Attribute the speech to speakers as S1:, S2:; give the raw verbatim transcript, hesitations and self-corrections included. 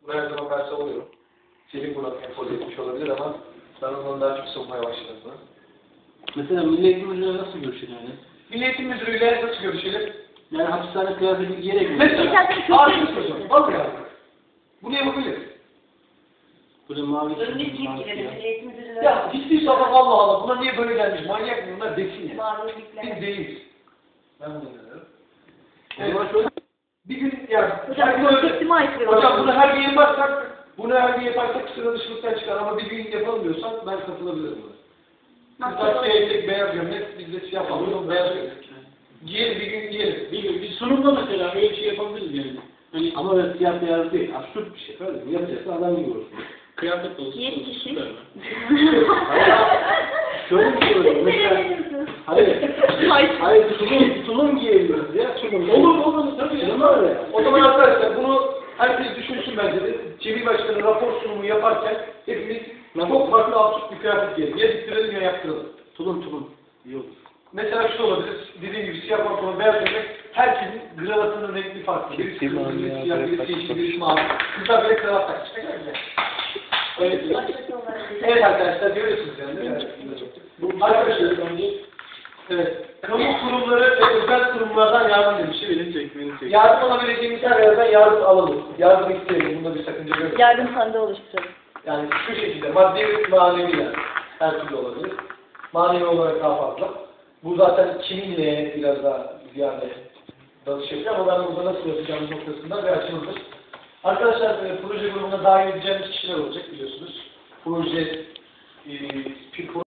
S1: Bunu her zaman ben savunuyorum. Selim buna empoze etmiş olabilir ama ben ondan daha çok savunmaya başladım bunu.
S2: Mesela Milli Eğitim Müdürü'yle nasıl görüşür yani?
S1: Milli Eğitim Müdürü'yle nasıl görüşelim?
S2: Yani hapishane kıyafeti giyerek mi?
S1: Mesela, ağzını soracağım. Vallahi abi. Bunu yapabilir.
S2: Böyle mavi
S3: Önünü
S2: çizgi,
S3: giyip
S2: mavi
S3: girelim.
S2: siyah.
S3: Milli Eğitim Müdürlüğü'ne.
S1: Ya hiçbir sabah Allah Allah buna niye böyle gelmiş? Manyak mı bunlar desin ya.
S3: Mavi
S1: Biz
S3: ipler.
S1: değiliz. Ben bunu inanıyorum.
S2: O zaman şöyle
S1: Bir gün yani
S3: Hocam
S1: her gün öyle-
S3: konseptime aykırı.
S1: Hocam bunu her gün yaparsak, bunu her gün yaparsak sıra dışılıktan çıkar ama bir gün yapalım diyorsan ben katılabilirim buna. Kızlar siyah etek, beyaz gömlek, biz de siyah pantolon, beyaz gömlek. Giyelim bir gün giyelim.
S2: bir, bir sunumda mesela öyle bir şey yapabiliriz yani. Hani ama öyle siyah beyaz değil, absürt bir şey. Öyle mi? Yapacaksa adam gibi olsun. Kıyafet olsun.
S3: Yedi kişi.
S2: Şöyle bir şey oluyor. Mesela, hayır,
S3: Hayır.
S2: hayır, tulum, tulum giyebiliyoruz ya, tulum.
S1: Olur olur tabii.
S2: Tulum var ya.
S1: O zaman arkadaşlar bunu herkes düşünsün bence de. Cemil Başkanı rapor sunumu yaparken hepimiz çok farklı absürt bir kıyafet giyelim. Ya diktirelim ya yaptıralım.
S2: Tulum tulum. İyi olur.
S1: Mesela şu da olabilir. Dediğim gibi siyah pantolon, beyaz gömlek. Herkesin kravatının renkli farklı. Birisi kırmızı, birisi siyah, birisi yeşil, birisi mavi. Kızlar böyle kravat takmış. Ne kadar güzel. Öyle değil. Evet arkadaşlar görüyorsunuz yani. Değil mi?
S2: Bu
S1: Arkadaşlar,
S2: bence
S1: evet. Kamu kurumları ve özel kurumlardan yardım demiş.
S2: beni çek, beni çek.
S1: Yardım alabileceğimiz her yerden yardım alalım. Yardım isteyelim. Bunda bir sakınca görmüyorum.
S3: Yardım sandığı oluşturalım.
S1: Yani şu şekilde maddi ve manevi yani. Her türlü olabilir. Manevi olarak daha fazla. Bu zaten kiminle biraz daha ziyade dalış yapıyor ama ben burada nasıl yapacağımız noktasında bir açılımdır. Arkadaşlar e, proje grubuna dahil edeceğimiz kişiler olacak biliyorsunuz. Proje e,